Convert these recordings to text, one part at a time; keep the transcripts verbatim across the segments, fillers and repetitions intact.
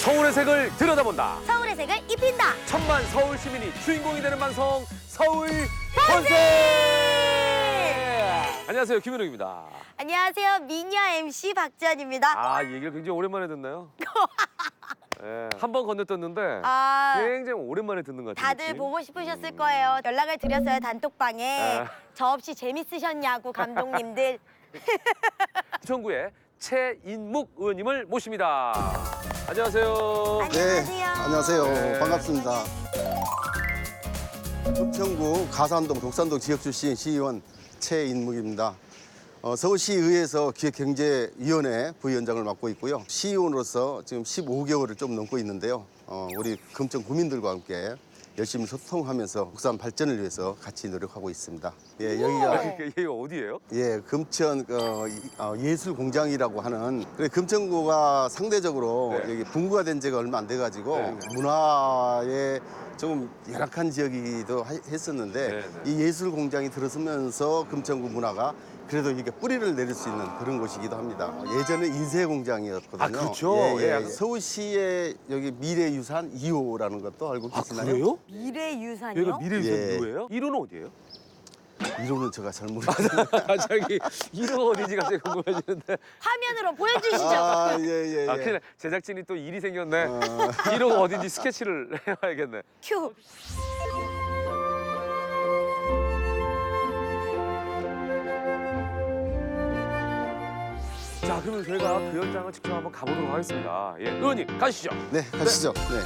서울의 색을 들여다본다. 서울의 색을 입힌다. 천만 서울 시민이 주인공이 되는 방송 서울 본색. 안녕하세요, 김현웅입니다. 안녕하세요, 미녀 엠씨 박지연입니다. 아, 이 얘기를 굉장히 오랜만에 듣나요? 네, 한 번 건너뛰었는데 아, 굉장히 오랜만에 듣는 것 같아요. 다들 보고 싶으셨을 거예요. 연락을 드렸어요, 단톡방에. 아. 저 없이 재밌으셨냐고, 감독님들. 부천구의 최인묵 의원님을 모십니다. 안녕하세요. 안녕하세요. 네, 안녕하세요. 네. 반갑습니다. 부천구 가산동, 독산동 지역 출신 시의원 최인묵입니다. 어, 서울시의회에서 기획경제위원회 부위원장을 맡고 있고요. 시의원으로서 지금 십오 개월을 좀 넘고 있는데요. 어, 우리 금천 구민들과 함께 열심히 소통하면서 국산 발전을 위해서 같이 노력하고 있습니다. 예, 여기가 여기가 어디예요? 예, 금천 어, 이- 어, 예술공장이라고 하는 그래, 금천구가 상대적으로 네. 여기 분구가 된 지가 얼마 안 돼가지고 네. 문화에 좀 열악한 지역이기도 하- 했었는데 네, 네. 이 예술공장이 들어서면서 금천구 문화가 그래도 이게 뿌리를 내릴 수 있는 그런 곳이기도 합니다. 예전에 인쇄공장이었거든요. 아, 그렇죠. 예, 예, 예, 약간- 서울시의 여기 미래유산 이 호라는 것도 알고 아, 계시나요? 그래요? 미래유산이요? 여기가 미래유산 예. 이 호예요? 일 호는 어디예요? 이론은 제가 잘 모르겠어요. 아, 저기 일 호 어디지가 제일 궁금해지는데. 화면으로 보여주시죠. 아, 예, 예, 예. 아, 큰일 나. 제작진이 또 일이 생겼네. 어. 일 호가 어딘지 스케치를 해봐야겠네. 큐. 자, 그러면 저희가 그 현장을 직접 한번 가보도록 하겠습니다. 예, 의원님 가시죠. 네, 가시죠. 네.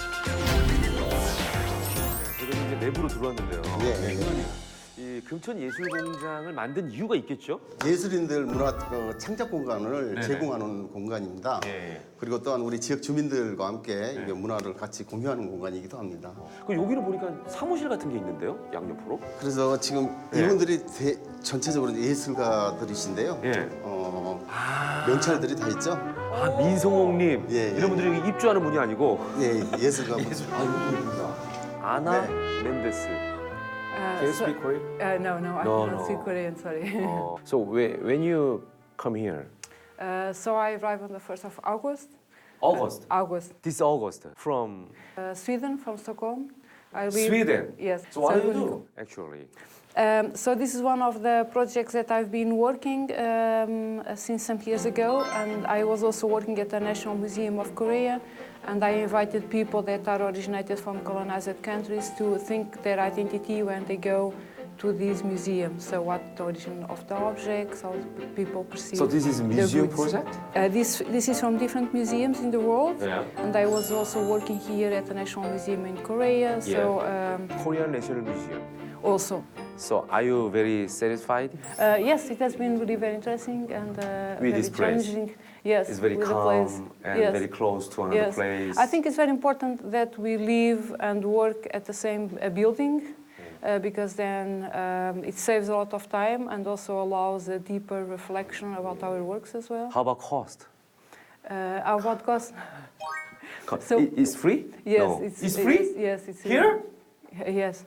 저희가 이제 내부로 들어왔는데요. 예, 네, 예. 의원님, 이 금천예술공장을 만든 이유가 있겠죠? 예술인들 문화 어, 창작 공간을 네네. 제공하는 공간입니다. 예. 그리고 또한 우리 지역 주민들과 함께 이게 문화를 같이 공유하는 공간이기도 합니다. 그 여기는 보니까 사무실 같은 게 있는데요, 양옆으로. 그래서 지금 예. 이분들이 대- 전체적으로 예술가들이신데요. 예. 어, 아, 명찰들이 다 있죠. 아 민성홍님 예, 예. 이런 분들이 여기 입주하는 분이 아니고. 예, 예술가 분. 아, 여기입니다. 아나 네. 멘데스. Uh, Can you so- speak Korean? Uh, no, no, I No, cannot no. speak Korean, sorry. 어, so when when you come here? Uh, so I arrived on the first of August. August. August. This August from Uh, Sweden, from Stockholm. I live, Sweden. Yes. So what do you I'm do going- actually? Um, so this is one of the projects that I've been working um, uh, since some years ago, and I was also working at the National Museum of Korea, and I invited people that are originated from colonized countries to think their identity when they go to these museums. So what the origin of the objects, how people perceive. So this is a the museum goods. project? Uh, this this is from different museums in the world, Yeah. and I was also working here at the National Museum in Korea. So um, Korean National Museum. also. So are you very satisfied? Uh, yes, it has been really very interesting and uh, With very this place. challenging. Yes, It's very with the calm place. and yes. very close to another yes. place. I think it's very important that we live and work at the same uh, building uh, because then um, it saves a lot of time and also allows a deeper reflection about our works as well. How about cost? Uh, about cost? Co- So- i- it's free? Yes, No. it's, It's it free? is- yes, it's Here? Yes.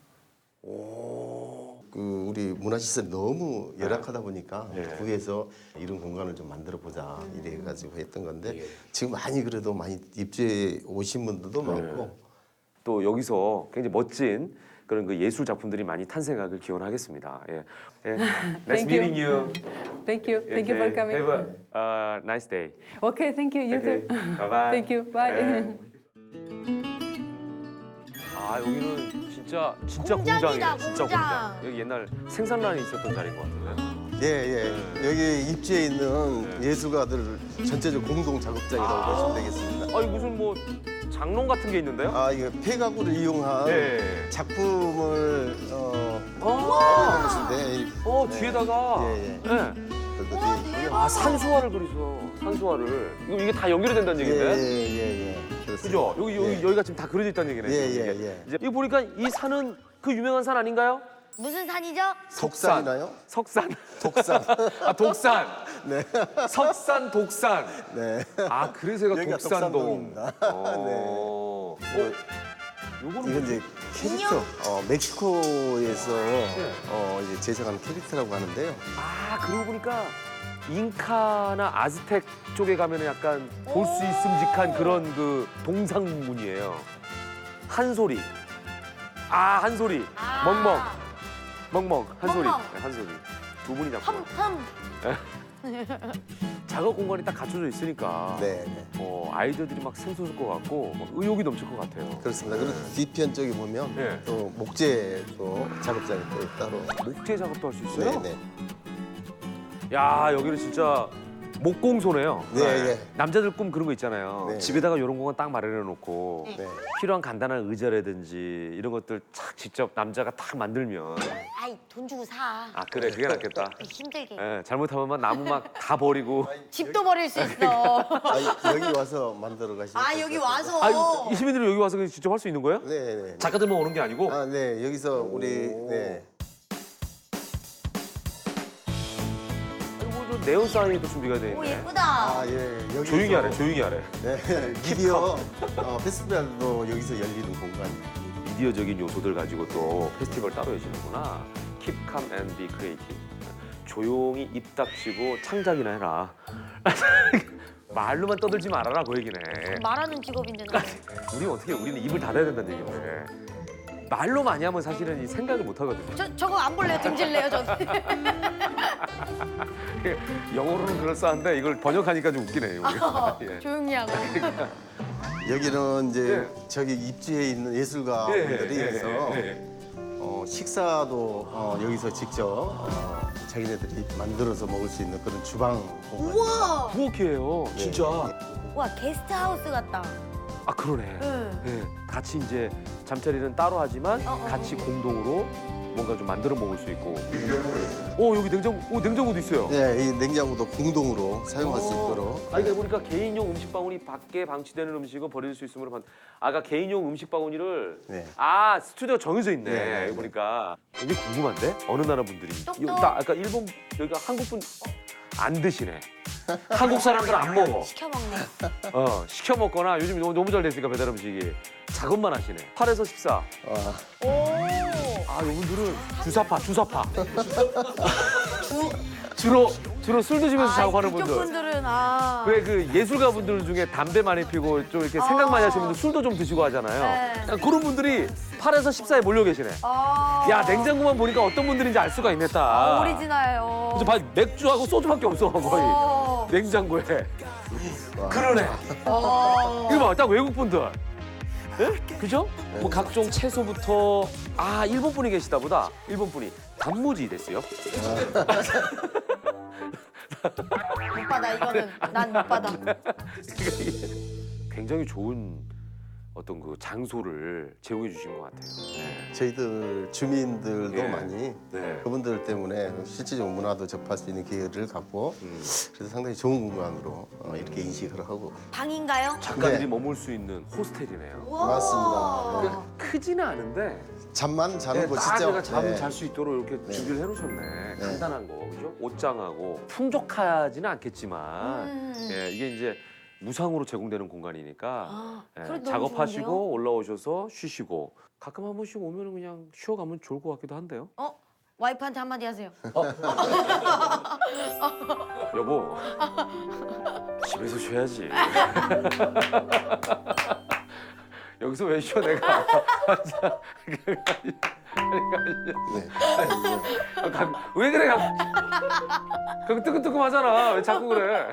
그 우리 문화시설이 너무 열악하다 보니까 네. 구에서 이런 공간을 좀 만들어 보자 이래 가지고 했던 건데 예. 지금 많이 그래도 많이 입주해 오신 분들도 네. 많고 또 여기서 굉장히 멋진 그런 그 예술 작품들이 많이 탄생하길 기원하겠습니다. 예. 예. Nice Thank you. meeting you. Thank you. Thank you for Okay. coming. Have a uh, nice day. Okay, thank you. You Okay. too. Bye bye. Thank you. Bye. 예. 아 여기는 진짜 진짜 공장이다, 공장이에요. 진짜 공장. 공장. 여기 옛날 생산란이 있었던 자리인 것 같은데. 예, 예. 여기 입주해 있는 네. 예술가들 전체적 공동 작업장이라고 아. 보시면 되겠습니다. 아니 무슨 뭐 장롱 같은 게 있는데요? 아, 이거 폐가구를 이용한 예. 작품을 어, 아, 하는 것인데 어 네. 뒤에다가 예, 예. 예. 그것들이 아 산수화를 그리서 산수화를 이거 이게 다 연결이 된다는 예, 얘기인데? 예, 예, 예. 그렇습니다. 그죠? 여기 여기 예. 여기가 지금 다 그려져 있다는 얘기네. 예, 지금 예, 이게. 예. 이제 이거 보니까 이 산은 그 유명한 산 아닌가요? 무슨 산이죠? 속산이나요? 석산. 독산. 아 독산. 네. 석산 독산. 네. 아 그래서 여기가 여기가 독산동. 독산동입니다. 어. 이거, 어? 요거는 이건 이제 캐릭터, 어, 멕시코에서 어, 이제 제작한 캐릭터라고 하는데요. 아 그러고 보니까 잉카나 아즈텍 쪽에 가면 약간 볼 수 있음직한 그런 그 동상문이에요. 한소리. 아, 한소리. 아. 멍멍. 멍멍. 한소리. 멍멍. 네, 한소리. 두 분이 작품. 흠흠. 작업 공간이 딱 갖춰져 있으니까 네, 네. 어, 아이디어들이 막 샘솟을 것 같고 막 의욕이 넘칠 것 같아요. 그렇습니다. 그리고 뒤편 쪽에 보면 네. 또 목재 또 작업장이 또 따로. 목재 작업도 할 수 있어요? 네, 네. 야, 여기는 진짜 목공소네요. 네, 네. 남자들 꿈 그런 거 있잖아요. 네. 집에다가 이런 공간 딱 마련해 놓고 네. 필요한 간단한 의자라든지 이런 것들 착 직접 남자가 딱 만들면 아이 돈 주고 사. 아 그래 그게 낫겠다. 힘들게. 예, 잘못하면 막 나무 막 다 버리고 집도 버릴 수 있어. 아, 여기 와서 만들어 가시면. 아 될것 여기 같아요. 와서. 아, 이 시민들이 여기 와서 그냥 직접 할 수 있는 거예요? 네, 네. 작가들만 오는 게 아니고 아, 네. 여기서 우리 네. 그리고 좀 네온 사인도 준비가 돼 오 있네. 예쁘다. 아, 예. 여기서 조용히 하래, 조용히 하래. 네. 미디어 어, 페스티벌도 여기서 열리는 공간이에요. 미디어적인 요소들 가지고 또 페스티벌 따로 여시는구나. Keep calm and be creative. 조용히 입 닥치고 창작이나 해라. 말로만 떠들지 말아라 그 얘기네. 말하는 직업인데 나. 우리 어떻게 우리는 입을 닫아야 된다는 얘기네. 말로 많이 하면 사실은 이 생각을 못 하거든요. 저 저거 안 볼래요? 등질래요 저는. 영어로는 그럴싸한데 이걸 번역하니까 좀 웃기네요. 우리가. 예. 조용히 하고. 여기는 이제 예. 저기 입지에 있는 예술가분들이 여기서 어, 식사도 어, 여기서 직접 어, 자기네들이 만들어서 먹을 수 있는 그런 주방 공간. 우와. 부엌이에요, 진짜. 와 게스트 하우스 같다. 아 그러네. 응. 네, 같이 이제 잠자리는 따로 하지만 어, 어, 같이 어. 공동으로 뭔가 좀 만들어 먹을 수 있고. 오 여기 냉장, 오 냉장고도 있어요. 네, 이 냉장고도 공동으로 사용할 수 있도록. 아니 그러니까 보니까 개인용 음식 바구니 밖에 방치되는 음식은 버릴 수 있으므로 반... 아까 개인용 음식 바구니를 네. 아 스튜디오 정해져 있네. 네, 여기 네. 보니까 여기 궁금한데 어느 나라 분들이 똑똑. 여기 나 아까 일본 여기가 한국 분 안 드시네. 한국 사람들 안 먹어. 시켜 먹네. 어 시켜 먹거나 요즘 너무, 너무 잘 됐으니까 배달 음식이 작업만 하시네. 팔에서 십사. 아, 오. 아 이분들은 주사파 주사파. 주. 주로 주로 술 드시면서 작업하는 이쪽 분들. 분들은 아. 왜 그 예술가 분들 중에 담배 많이 피고 좀 이렇게 생각 많이 하시는 분들 술도 좀 드시고 하잖아요. 네. 약간 그런 분들이 팔에서 십사에 몰려 계시네. 아. 야 냉장고만 보니까 어떤 분들인지 알 수가 있네 딱. 오리지널요. 그래서 봐, 맥주하고 소주밖에 없어 거의 어. 냉장고에. 그러네. 어. 이거 봐, 딱 외국 분들. 예? 그죠? 뭐 각종 채소부터 아 일본 분이 계시다 보다. 일본 분이 단무지 됐어요. 못 받아 이거는 난 못 받아. 굉장히 좋은 어떤 그 장소를 제공해 주신 것 같아요. 네. 저희들 주민들도 예. 많이 네. 그분들 때문에 실질적 문화도 접할 수 있는 기회를 갖고 음. 그래서 상당히 좋은 공간으로 어, 이렇게 인식을 하고 방인가요? 작가들이 네. 머물 수 있는 호스텔이네요. 우와. 맞습니다. 크지는 않은데 잠만 자는 네, 곳이죠. 딱 내가 잠 네. 잘 수 있도록 이렇게 네. 준비를 해놓으셨네. 간단한 거, 그죠? 옷장하고 풍족하지는 않겠지만 음. 예, 이게 이제 무상으로 제공되는 공간이니까 아, 예, 그래도 너무 작업하시고 좋은데요? 올라오셔서 쉬시고 가끔 한 번씩 오면 그냥 쉬어가면 좋을 것 같기도 한데요. 어? 와이프한테 한마디 하세요. 여보, 집에서 쉬어야지. 여기서 왜 쉬어 내가? 네. 가- 왜 그래? 그거 뜨끔뜨끔하잖아. 왜 자꾸 그래?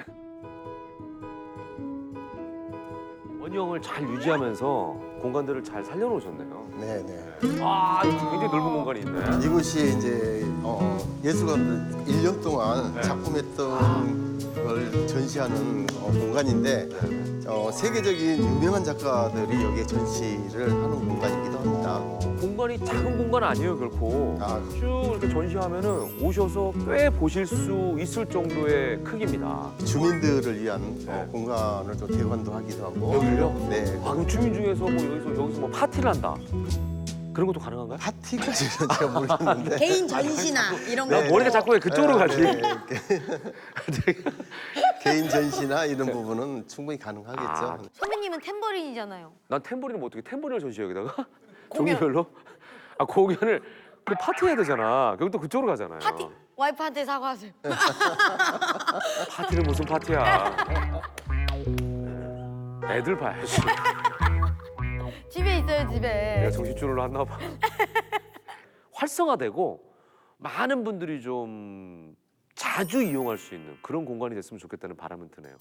원형을 잘 유지하면서 공간들을 잘 살려놓으셨네요. 네, 네. 아, 이거 굉장히 넓은 공간이 있네. 이곳이 이제 어, 예술가들 일 년 동안 네. 작품했던 걸 전시하는 어, 공간인데 어, 세계적인 유명한 작가들이 여기에 전시를 하는 공간이기도 합니다. 공간이 작은 공간 아니에요, 결코. 아. 쭉 이렇게 전시하면은 오셔서 꽤 보실 수 있을 정도의 크기입니다. 주민들을 위한 어, 네. 공간을 좀 대관도 하기도 하고. 여기를요? 네. 아, 그럼 주민 중에서 뭐 여기서 여기서 뭐 파티를 한다. 그런 것도 가능한가요? 파티까지는 제가 모르겠는데. 개인 전시나 이런 거. 나 머리가 자꾸 왜 그쪽으로 가지? 네, 네. 개인 전시나 이런 부분은 충분히 가능하겠죠. 아. 선배님은 탬버린이잖아요. 난 탬버린은 뭐 어떻게 탬버린을 전시해 여기다가? 공연. 종류별로? 아 공연을 그 파티 해야 되잖아. 그럼 또 그쪽으로 가잖아요. 파티? 와이프한테 사과하세요. 파티는 무슨 파티야? 애들 봐야지. 집에 있어요, 집에. 내가 정신줄을 놨나 봐. 활성화되고 많은 분들이 좀 자주 이용할 수 있는 그런 공간이 됐으면 좋겠다는 바람은 드네요.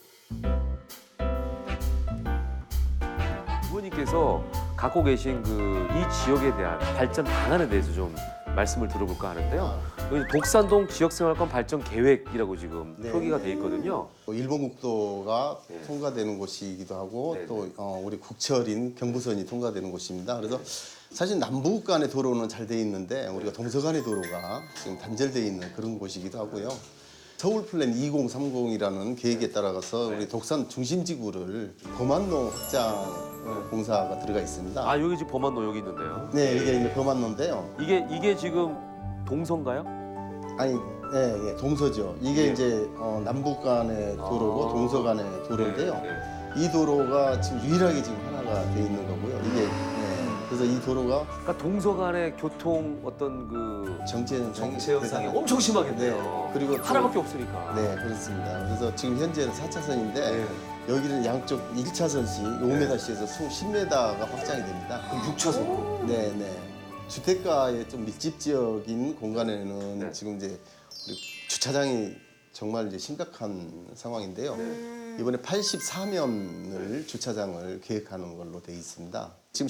부모님께서 갖고 계신 그 이 지역에 대한 발전 방안에 대해서 좀 말씀을 들어볼까 하는데요. 여기 독산동 지역생활권 발전 계획이라고 지금 네. 표기가 돼 있거든요. 또 일본 국도가 네. 통과되는 곳이기도 하고 네, 또 어, 우리 국철인 경부선이 통과되는 곳입니다. 그래서 사실 남북 간의 도로는 잘 돼 있는데 우리가 동서 간의 도로가 지금 단절돼 있는 그런 곳이기도 하고요. 서울 플랜 이공삼공이라는 계획에 따라가서 우리 독산 중심지구를 범안로 확장 공사가 들어가 있습니다. 아 여기 지금 범안로 여기 있는데요. 네, 이게 이제 범안로인데요. 이게 이게 지금 동서인가요? 아니, 예, 예, 동서죠. 이게 예. 이제 어, 남북 간의 도로고 아. 동서 간의 도로인데요. 네, 네. 이 도로가 지금 유일하게 지금 하나가 돼 있는 거고요. 이게 예, 그래서 이 도로가 그러니까 동서 간의 교통 어떤 그 정체 현상이 정체 현상이 대단한- 엄청 심하겠네요. 네, 그리고 또- 하나밖에 없으니까. 네, 그렇습니다. 그래서 지금 현재는 사 차선인데 네. 여기는 양쪽 일 차선씩 오 미터씩에서 총 십 미터가 확장이 됩니다. 그럼 육 차선. 네, 네. 주택가의 좀 밀집 지역인 공간에는 네. 지금 이제 우리 주차장이 정말 이제 심각한 상황인데요. 네. 이번에 팔십사 면을 주차장을 계획하는 걸로 돼 있습니다. 지금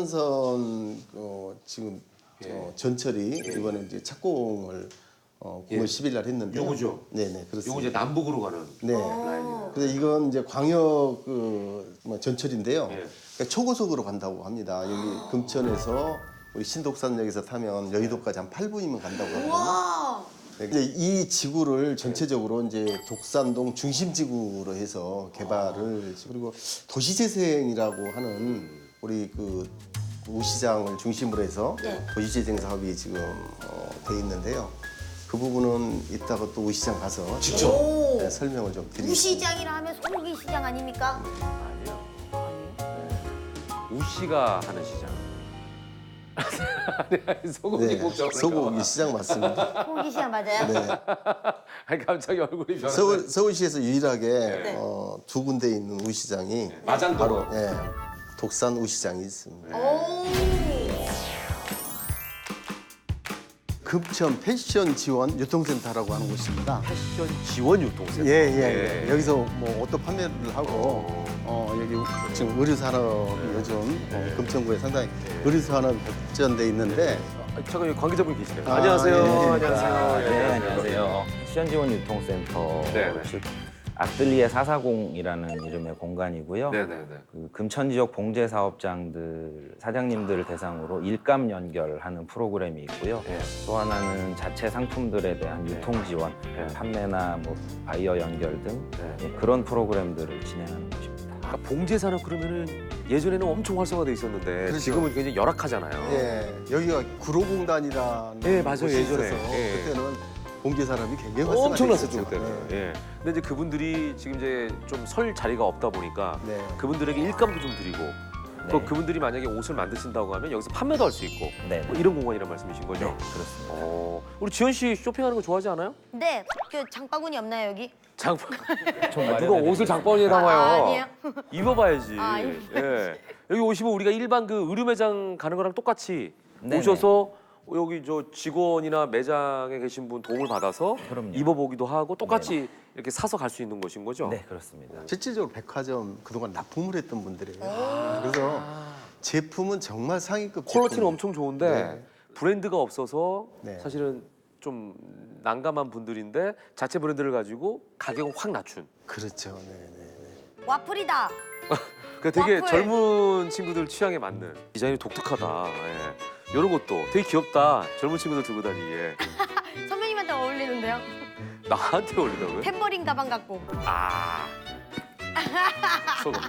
신안산선 어, 지금 예. 어, 전철이 예. 이번에 이제 착공을 어, 구월 예. 십일 날 했는데 요거죠? 네, 네, 그렇습니다. 요거 이제 남북으로 가는 네. 라인이에요. 그래서 이건 이제 광역 그뭐 전철인데요. 예. 그러니까 초고속으로 간다고 합니다. 여기 금천에서 우리 신독산역에서 타면 여의도까지 한 팔 분이면 간다고 하거든요. 와. 네, 이제 이 지구를 전체적으로 이제 독산동 중심 지구로 해서 개발을 그리고 도시재생이라고 하는 우리 그 우시장을 중심으로 해서 네. 도시재생 사업이 지금 어, 돼 있는데요. 그 부분은 이따가 또 우시장 가서 직접? 오. 네, 설명을 좀 드리겠습니다. 우시장이라 하면 소고기 시장 아닙니까? 아니요. 우씨가 하는 시장. 아니, 아니 소고기 네, 복잡. 소고기 시장 맞습니다. 소고기 시장 맞아요? 네. 아니 갑자기 얼굴이 변해. 서울, 서울시에서 유일하게 네. 어, 두 군데 있는 우시장이 마장도로. 바로 예, 독산 우시장이 있습니다. 오. 금천 패션 지원 유통센터라고 하는 곳입니다. 패션 지원 유통센터. 예, 예, 예. 여기서 뭐 옷도 판매를 하고 어, 여기 지금 의류 산업이 요즘 어, 금천구에 상당히 의류 산업이 발전돼 있는데 아, 잠깐 여기 관계자분 계시네요. 아, 안녕하세요. 예, 예. 안녕하세요. 네, 안녕하세요. 시연지원 네, 네. 유통센터 즉 아뜰리에 사사공이라는 이름의 공간이고요. 네네네. 그 금천 지역 봉제 사업장들 사장님들을 대상으로 일감 연결하는 프로그램이 있고요. 예. 또 하나는 자체 상품들에 대한 네. 유통 지원, 네. 판매나 뭐 바이어 연결 등 네. 예, 그런 프로그램들을 진행하는 곳입니다. 그러니까 봉제 산업 그러면은 예전에는 엄청 활성화돼 있었는데 그렇죠. 지금은 굉장히 열악하잖아요. 예, 여기가 구로공단이라는 예, 맞아요. 곳이 예전에. 있어서 예. 그때는 봉제 산업이 굉장히 엄청났었죠 활성화돼 그때는. 있었죠. 네. 예. 근데 이제 그분들이 지금 이제 좀 설 자리가 없다 보니까 네. 그분들에게 일감도 좀 드리고 또 네. 그분들이 만약에 옷을 만드신다고 하면 여기서 판매도 할 수 있고 네, 뭐 이런 공간이란 말씀이신 거죠? 네, 그렇습니다. 어, 우리 지현 씨 쇼핑하는 거 좋아하지 않아요? 네. 그 장바구니 없나요, 여기? 장바 좀 누가 마련해 옷을 장바구니에 담아요? 아, 아니에요? 입어봐야지. 아, 입어야지. 예. 여기 오시면 우리가 일반 그 의류 매장 가는 거랑 똑같이 네네. 오셔서 여기 저 직원이나 매장에 계신 분 도움을 받아서 그럼요. 입어보기도 하고 똑같이 이렇게 사서 갈 수 있는 곳인 거죠? 네, 그렇습니다. 실질적으로 백화점 그동안 납품을 했던 분들이에요. 그래서 제품은 정말 상위급 퀄리티는 제품. 엄청 좋은데 네. 브랜드가 없어서 네. 사실은 좀 난감한 분들인데 자체 브랜드를 가지고 가격을 확 낮춘. 그렇죠. 네, 네, 네. 와플이다. 그 되게 와플. 젊은 친구들 취향에 맞는 디자인이 독특하다. 예. 이런 것도 되게 귀엽다. 젊은 친구들 들고 다니기에. 선배님한테 어울리는데요? 나한테 어울린다고요? 탬버린 가방 같고. 아. 소금.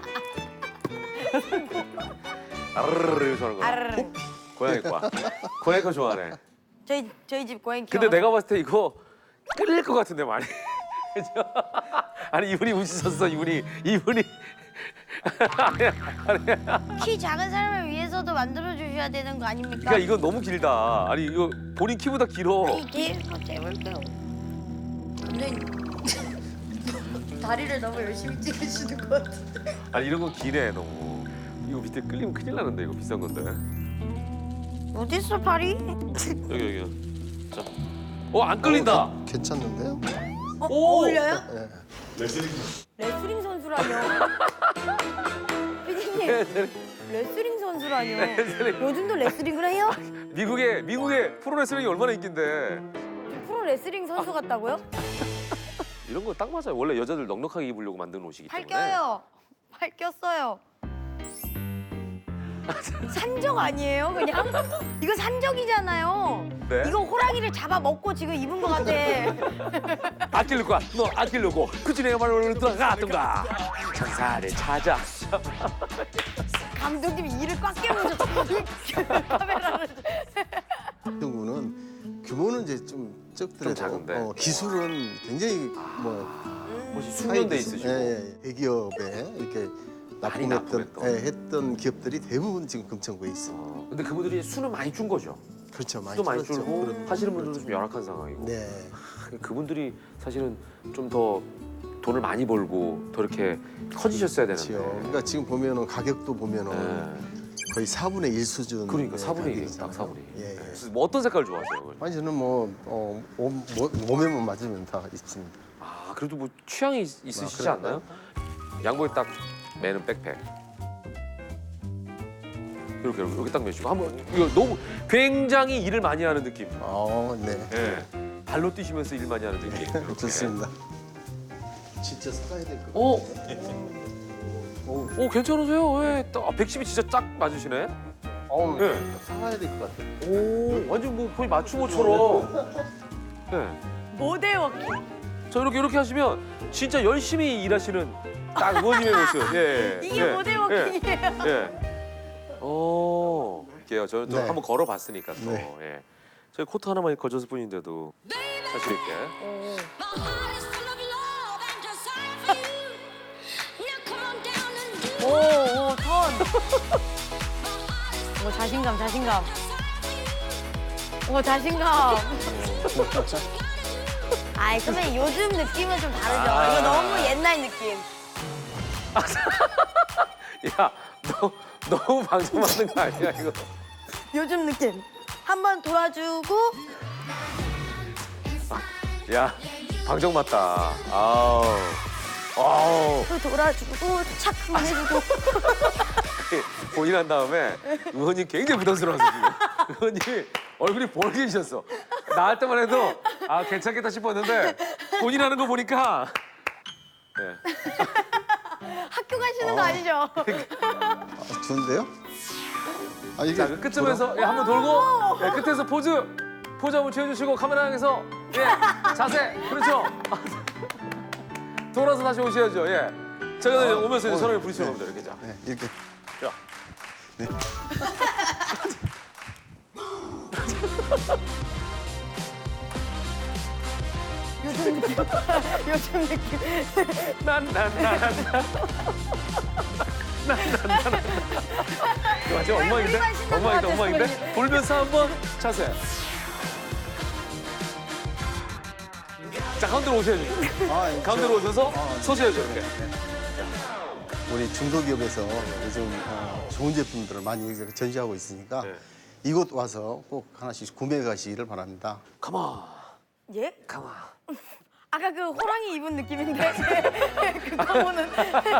아르르르 이러면서 하는 거야. 아르르. 고양이 과. 고양이 과 좋아하네. 저희 저희 집 고양이 키워. 근데 내가 봤을 때 이거 끌릴 것 같은데 많이. 그죠? 아니 이분이 웃으셨어 이분이 이분이 키 작은 사람을 위해서도 만들어 주셔야 되는 거 아닙니까? 그러니까 이건 너무 길다. 아니 이거 본인 키보다 길어. 이게 한번 해볼게요. 근데 다리를 너무 열심히 찍으시는 것 같은데. 아니 이런 건 기네 너무. 이거 밑에 끌리면 큰일 나는데 이거 비싼 건데. 어디 있어 발이? 여기 여기. 자. 어 안 끌린다. 어, 괜찮는데요? 어, 오! 어울려요? 네. 레슬링 선수라뇨. 피디님, 레슬링 선수라뇨. 요즘도 레슬링을 해요? 미국에 미국에 프로레슬링이 얼마나 인기인데. 프로 레슬링 선수 같다고요? 이런 거 딱 맞아요. 원래 여자들 넉넉하게 입으려고 만든 옷이기 때문에. 팔 껴요. 팔 꼈어요. 산적 아니에요? 그냥? 이거 산적이잖아요. 네? 이거 호랑이를 잡아 먹고 지금 입은 것 같아. 아낄 거야. 너 아끼려고. 그치 내가 말로 들어가던가. 장사를 찾아. 감독님이 이를 꽉 깨물죠. 카메라를. 이 경우는 규모는 이제 좀 적더라도 좀 작은데. 어, 기술은 굉장히 뭐 혹시 숙련돼 기술, 있으시고. 예, 예. 대기업에 이렇게 많이 납품했던 납품했던. 예, 했던 기업들이 대부분 지금 금천구에 있습니다. 어, 근데 그분들이 수는 많이 준 거죠. 그렇죠, 많이 수도 많이 줄었죠. 줄고 그런- 하시는 분들도 좀 열악한 상황이고. 네, 그분들이 사실은 좀 더 돈을 많이 벌고 더 이렇게 커지셨어야 되는데. 그렇죠. 그러니까 지금 보면은 가격도 보면은 네. 거의 사분의 일 수준. 그러니까 사분의 일, 가격이잖아요. 딱 사분의 일. 예, 예. 네. 뭐 어떤 색깔 좋아하세요? 그걸? 아니 저는 뭐 어, 몸, 뭐- 몸에만 맞으면 다 있습니다. 아 그래도 뭐 취향이 있- 있으시지 아, 않나요? 양복에 딱 매는 백팩. 이렇게 이렇게, 이렇게 딱 매시고 한번 이거 너무 굉장히 일을 많이 하는 느낌. 어, 네. 예. 발로 뛰시면서 일 많이 하는 느낌. 이렇게. 좋습니다. 진짜 살아야 될 것 어, 같아요. 오 괜찮으세요? 왜? 딱 백십이 진짜 딱 맞으시네. 어우, 예. 살아야 될 것 같아요. 오 완전 뭐 거의 맞춤옷처럼. 네. 모델 워킹. 저 이렇게 이렇게 하시면 진짜 열심히 일하시는 딱 의원님의 모습. 예. 이게 예, 모델 예, 워킹이에요. 예. 오. 이게요. 저는 좀 네. 한번 걸어봤으니까 또. 네. 예. 저희 코트 하나만 걸쳤을 뿐인데도 자신 있게. 오, 오, 턴. 오, 자신감, 자신감. 오, 자신감. 아이, 선배님 요즘 느낌은 좀 다르죠. 아. 이거 너무 옛날 느낌. 야, 너 너무 방송 맞는 거 아니야 이거? 요즘 느낌. 한번 돌아주고 야, 방정 맞다. 아우. 아우. 또 돌아주고 착 한번 해주고. 본인 한 다음에 의원님 굉장히 부담스러워서 지금. 의원님이 얼굴이 벌개지셨어. 나 할 때만 해도 아 괜찮겠다 싶었는데 본인 하는 거 보니까 네. 학교 가시는 거 아니죠? 아, 좋은데요? 아, 이게 자, 그 끝쯤에서 예, 한번 돌고 예, 끝에서 포즈 포즈 한번 취해주시고 카메라 향해서 예 자세 그렇죠. 돌아서 다시 오셔야죠. 예. 제가 아, 오면서 이제 어, 서로를 부딪히는 네. 겁니다. 이렇게 자. 네, 이렇게. 야. 네. 요즘 느낌. 요즘 느낌. 난난난난 난난난 이거 완전 엉망인데? 우리만 신난 것 엉망인데 같아, 엉망인데? 선배님. 돌면서 한번 자세. 자 가운데로 오셔야죠. 아, 예, 가운데로 오셔서 서셔야죠 이렇게. 우리 중소기업에서 요즘 어, 좋은 제품들을 많이 전시하고 있으니까 네. 이곳 와서 꼭 하나씩 구매해 가시기를 바랍니다. 가만 예? 가만. 아까 그 호랑이 입은 느낌인데 그거는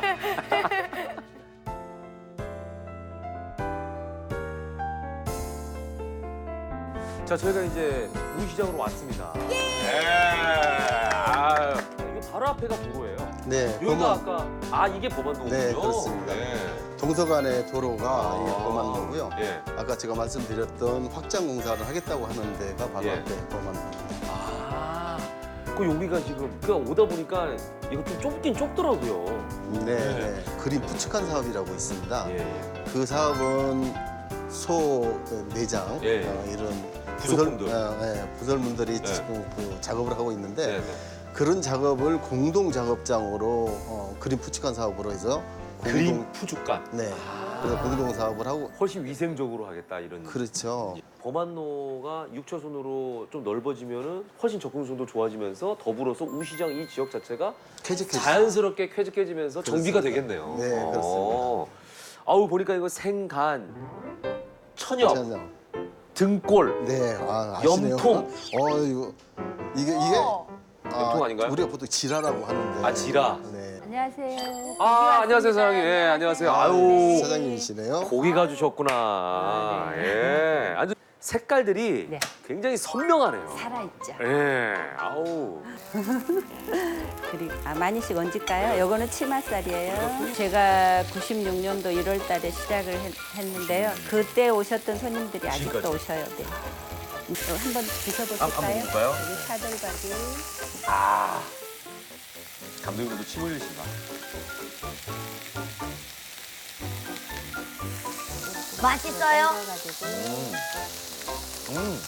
자 저희가 이제 우시장으로 왔습니다. 예. 아유. 이거 바로 앞에가 도로예요. 네, 여기가 범안. 아까 아 이게 범안도군요. 네, 그렇습니다. 동서간의 도로가 이 범안도고요. 예. 아까 제가 말씀드렸던 확장 공사를 하겠다고 하는 데가 바로 예. 앞에 범안도입니다. 아, 그 여기가 지금 그 오다 보니까 이거 좀 좁긴 좁더라고요. 네, 네. 그림 부축한 사업이라고 있습니다. 예. 그 사업은 소 내장 예. 어, 이런 부속품들. 부설, 어, 예, 부설물들이 네. 지금 그 작업을 하고 있는데 네, 네. 그런 작업을 공동 작업장으로 어, 그림 부축한 사업으로 해서 그림 푸주간. 네. 그래서 공동 사업을 하고 훨씬 위생적으로 하겠다 이런. 그렇죠. 범안로가 육 차선으로 좀 넓어지면은 훨씬 접근성도 좋아지면서 더불어서 우시장 이 지역 자체가 쾌적해지죠. 자연스럽게 쾌적해지면서 정비가 되겠네요. 네, 그렇습니다. 어. 아우 보니까 이거 생간, 천엽, 천엽. 등골. 네, 아, 아시네요. 염통. 어, 이거 이게 이게 염통 아닌가요? 우리가 보통 지라라고 하는데. 아, 지라. 네. 안녕하세요. 아 안녕하세요 사장님. 예 안녕하세요. 아유 사장님이시네요. 고기가 주셨구나. 예. 아주 색깔들이 네. 굉장히 선명하네요. 살아있죠. 예. 아우. 그리고 아, 많이씩 얹을까요? 요거는 치맛살이에요. 제가 구십육 년도 일월 달에 시작을 했, 했는데요. 그때 오셨던 손님들이 아직도 지금까지? 오셔요. 네. 이거 한번 드셔보실까요? 아, 한번 먹을까요? 여기 사돌박이. 아. 감독님도 침 흘리신다. 맛있어요? 음. 음.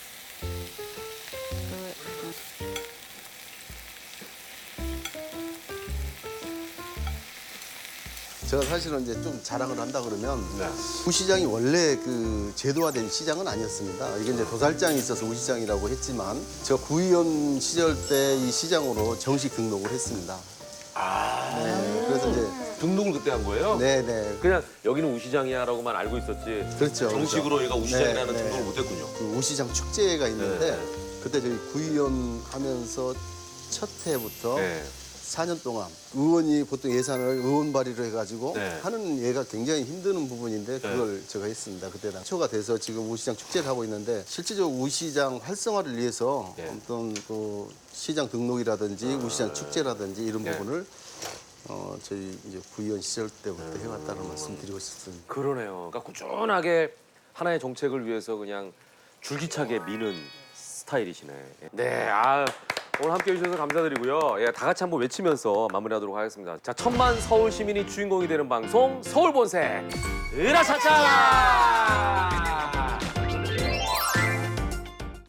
제가 사실은 이제 좀 자랑을 한다 그러면 네. 우시장이 원래 그 제도화된 시장은 아니었습니다. 이게 이제 도살장이 있어서 우시장이라고 했지만 제가 구의원 시절 때 이 시장으로 정식 등록을 했습니다. 아. 네, 그래서 이제 등록을 그때 한 거예요? 네네 그냥 여기는 우시장이야라고만 알고 있었지. 그렇죠. 정식으로 얘가 우시장이라는 네, 네. 등록을 못했군요. 그 우시장 축제가 있는데 네. 그때 저희 구의원 하면서 첫 해부터 네. 사 년 동안 의원이 보통 예산을 의원 발의를 해가지고 네. 하는 예가 굉장히 힘드는 부분인데 그걸 제가 했습니다. 그때 초가 돼서 지금 우시장 축제를 하고 있는데 실질적으로 우시장 활성화를 위해서 네. 어떤 그 시장 등록이라든지 우시장 축제라든지 이런 네. 부분을 어, 저희 이제 구의원 시절 때부터 해왔다는 말씀 드리고 싶습니다. 그러네요. 그러니까 꾸준하게 하나의 정책을 위해서 그냥 줄기차게 미는 스타일이시네. 네, 아 오늘 함께 해주셔서 감사드리고요. 예, 다 같이 한번 외치면서 마무리하도록 하겠습니다. 자, 천만 서울 시민이 주인공이 되는 방송 서울 본색 으라차차.